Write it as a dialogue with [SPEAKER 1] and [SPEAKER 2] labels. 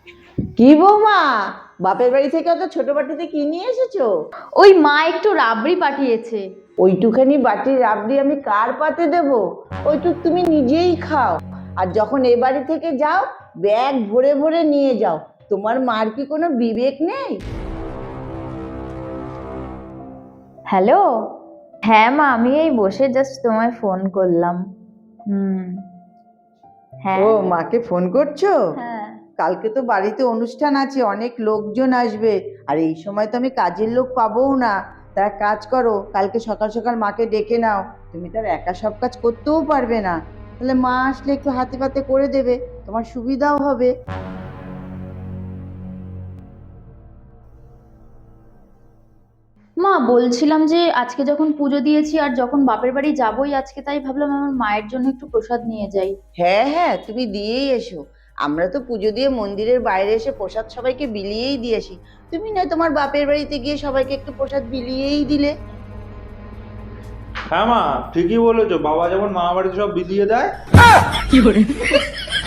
[SPEAKER 1] কি বৌমা, বাপের বাড়ি থেকে অত ছোট বাটিতে কি নিয়ে এসেছো?
[SPEAKER 2] ওই মা একটু রাবড়ি পাঠিয়েছে।
[SPEAKER 1] ওইটুখানি বাটির রাবড়ি আমি কার পাতে দেবো? ওইটুক তুমি নিজেই খাও। আর যখন এ বাড়ি থেকে যাও, ব্যাগ ভরে ভরে নিয়ে যাও। তোমার মার কি কোনো বিবেক নেই?
[SPEAKER 2] হ্যালো। হ্যাঁ মা, আমি এই বসে জাস্ট তোমায় ফোন করলাম। হুম। হ্যাঁ।
[SPEAKER 1] ও, মাকে ফোন করছো?
[SPEAKER 2] হ্যাঁ।
[SPEAKER 1] কালকে তো বাড়িতে অনুষ্ঠান আছে, অনেক লোকজন আসবে। আর এই সময় তো আমি কাজের লোক পাবোও না। তা এক কাজ করো, কালকে সকাল সকাল মাকে ডেকে নাও। তুমি তো আর একা সব কাজ করতেও পারবে না। তাহলে মা আসলে একটু হাতে পাতে করে দেবে, তোমার সুবিধাও হবে।
[SPEAKER 2] মা বলছিলাম যে আজকে যখন পুজো দিয়েছি আর যখন বাপের বাড়ি যাবোই আজকে, তাই ভাবলাম আমার মায়ের জন্য একটু প্রসাদ নিয়ে যাই।
[SPEAKER 1] হ্যাঁ হ্যাঁ, তুমি দিয়েই এসো। আমরা তো পুজো দিয়ে মন্দিরের বাইরে এসে প্রসাদ সবাইকে বিলিয়েই দিয়েছি। তুমি না তোমার বাপের বাড়িতে গিয়ে সবাইকে একটু প্রসাদ বিলিয়েই দিলে।
[SPEAKER 3] হ্যাঁ মা, ঠিকই বলেছো, বাবা যেমন মামা বাড়িতে সব বিলিয়ে দেয়।